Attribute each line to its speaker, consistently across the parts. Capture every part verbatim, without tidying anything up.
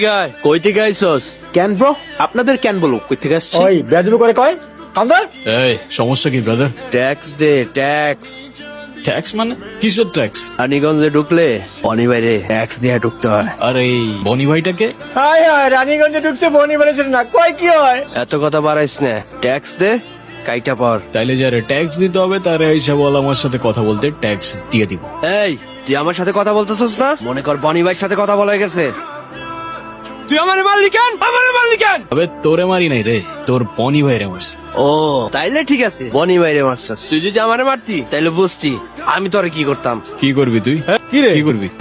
Speaker 1: কই থেকে আইছস?
Speaker 2: ক্যান ব্রো, আপনাদের ক্যান বলো কই থেকে আসছে?
Speaker 3: ওই বেয়াদবি করে কয় কান্দার।
Speaker 4: এই সমস্যা কি ব্রাদার?
Speaker 1: ট্যাক্স দে, ট্যাক্স।
Speaker 4: ট্যাক্স মানে কিসের ট্যাক্স?
Speaker 1: রানীগঞ্জে ঢুকলে অনিবাইরে ট্যাক্স দিয়ে ঢুকতে হয়।
Speaker 4: আর এই বনি ভাইটাকে?
Speaker 3: হাই হাই, রানীগঞ্জে ঢুকছে বনি বানিয়েছিল না, কয় কি হয়?
Speaker 1: এত কথা বাড়াইস না, ট্যাক্স দে, কাইটা পর।
Speaker 4: তাইলে যারে ট্যাক্স দিতে হবে তারা হিসাব আমার সাথে কথা বলতে ট্যাক্স দিয়ে দিব।
Speaker 1: এই তুই আমার সাথে কথা বলতেছস না? মনে কর বনি ভাইয়ের সাথে কথা বলা হয়ে গেছে।
Speaker 2: তুই আমারে মারলি কেন? আমারে মারলি কেন?
Speaker 4: তবে তোরে মারি নাই রে, তোর বনি ভাইরে মারছি।
Speaker 1: ও তাইলে ঠিক আছে, বনি ভাইরে মারছস। তুই যদি আমারে মারতি তাইলে বুঝতি আমি তোরে কি করতাম।
Speaker 4: কি করবি তুই?
Speaker 3: কি রে?
Speaker 4: কি করবি?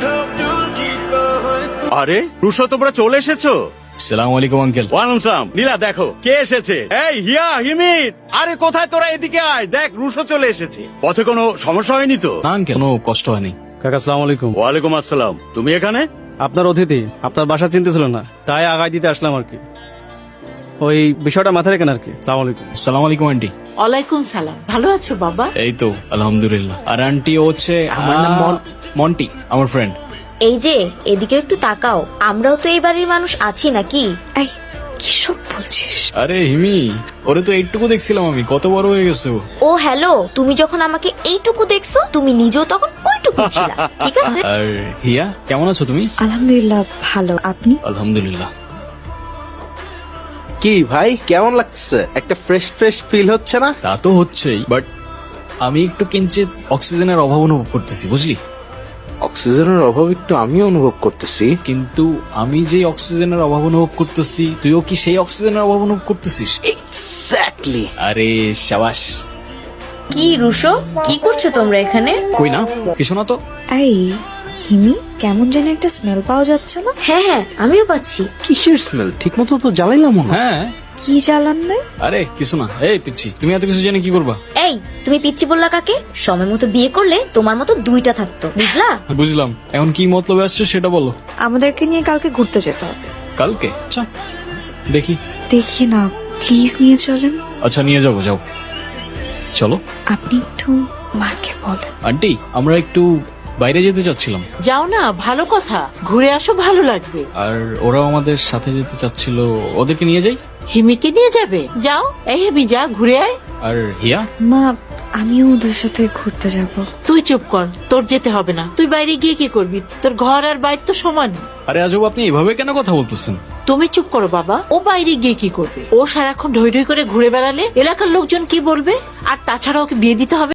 Speaker 5: আরে রুশো, তোমরা চলে এসেছো?
Speaker 4: সালাম আলাইকুম আঙ্কেল।
Speaker 5: ওয়ালাইকুম সালাম। নীলা দেখো কে এসেছে। এই হিয়া, হিমিত, আরে কোথায় তোরা? এদিকে আয়, দেখ রুশো চলে এসেছে। পথে কোনো সমস্যা হয়নি তো?
Speaker 4: না আঙ্কেল, কোনো কষ্ট হয়নি।
Speaker 3: কাকা আসসালামু আলাইকুম।
Speaker 5: ওয়ালাইকুম আসসালাম। তুমি এখানে?
Speaker 3: আপনার অতিথি, আপনার বাসা চিনতে ছিল না, তাই আগায় দিতে আসলাম আর কি। ওই বিষয়টা মাথায় রেখেন আর কি। আসসালামু আলাইকুম।
Speaker 4: সালাম আলাইকুম আন্টি।
Speaker 6: ওয়ালাইকুম সালাম। ভালো আছো বাবা?
Speaker 4: এই তো আলহামদুলিল্লাহ। আর আন্টি হচ্ছে
Speaker 2: আমার নাম মন-
Speaker 4: মন্টি, আমার ফ্রেন্ড।
Speaker 7: এই যে এদিকে একটু তাকাও, আমরাও তো এই বাড়ির মানুষ আছি নাকি? এই কি সব বলছিস?
Speaker 4: আরে হিমি, ওরে তো এইটুকু দেখছিলাম আমি, কত বড় হয়ে গেছে ও।
Speaker 7: ও হ্যালো, তুমি যখন আমাকে এইটুকু দেখছো তুমি নিজেও তখন ওইটুকু ছিলা, ঠিক আছে?
Speaker 4: আর হিয়া, কেমন আছো তুমি?
Speaker 8: আলহামদুলিল্লাহ ভালো, আপনি?
Speaker 4: আলহামদুলিল্লাহ।
Speaker 2: কি ভাই, কেমন লাগছে? একটা ফ্রেশ ফ্রেশ ফিল হচ্ছে না?
Speaker 4: তা তো হচ্ছেই, বাট আমি একটু কিঞ্চিত অক্সিজেনের অভাব অনুভব করতেছি, বুঝলি?
Speaker 2: অক্সিজেনের অভাব একটু আমিও অনুভব করতেছি।
Speaker 4: কিন্তু আমি যে অক্সিজেনের অভাব অনুভব করতেছি, তুইও কি সেই অক্সিজেনের অভাব অনুভব করতেছিস?
Speaker 2: এক্স্যাক্টলি।
Speaker 4: আরে শাবাশ।
Speaker 7: কি রুশো, কি করছো তোমরা এখানে?
Speaker 4: কই না, কিছু না তো।
Speaker 8: এই হিমি, কেমন জানি একটা স্মেল পাওয়া যাচ্ছে না?
Speaker 7: হ্যাঁ হ্যাঁ, আমিও পাচ্ছি।
Speaker 2: কিসের স্মেল? ঠিক মতো তো জ্বালাইলাম না।
Speaker 4: হ্যাঁ,
Speaker 8: কি জ্বালান নাই?
Speaker 4: আরে কিছু না। এই পিচ্ছি, তুমি এত কিছু জেনে কি করবা?
Speaker 7: এই তুমি পিচ্ছি বললা কাকে? সময় মতো বিয়ে করলে তোমার মতো দুইটা থাকতো, বুঝলা?
Speaker 4: বুঝলাম, এখন কি মতলবে আসছে সেটা বলো।
Speaker 8: আমাদেরকে নিয়ে কালকে ঘুরতে যেতে হবে।
Speaker 4: কালকে? আচ্ছা দেখি।
Speaker 8: দেখি না, প্লিজ নিয়ে চলেন।
Speaker 4: আচ্ছা নিয়ে যাবো, যাও চলো।
Speaker 8: আপনি একটু মাকে বলেন।
Speaker 4: আন্টি, আমরা একটু বাইরে যেতে চাচ্ছিলাম,
Speaker 6: যাও না, ভালো কথা, ঘুরে আসো, ভালো লাগবে।
Speaker 4: আর ওরাও আমাদের সাথে যেতে চাচ্ছিল, ওদেরকে নিয়ে যাই।
Speaker 6: হিমিকে নিয়ে যাবে? যাও, এই হিমি যা, ঘুরে আয়।
Speaker 4: আর হিয়া?
Speaker 8: মা, আমিও ওদের সাথে ঘুরতে যাব।
Speaker 6: তুই চুপ কর, তোর যেতে হবে না। তুই বাইরে গিয়ে কি করবি? তোর ঘর আর বাইর তো সমান।
Speaker 4: আরে আজব, আপনি এভাবে কেন কথা বলতেছেন?
Speaker 6: তুমি চুপ করো বাবা। ও বাইরে গিয়ে কি করবে? ও সারাক্ষণ ঢই ঢই করে ঘুরে বেড়ালে এলাকার লোকজন কি বলবে? আর তাছাড়া ওকে বিয়ে দিতে হবে।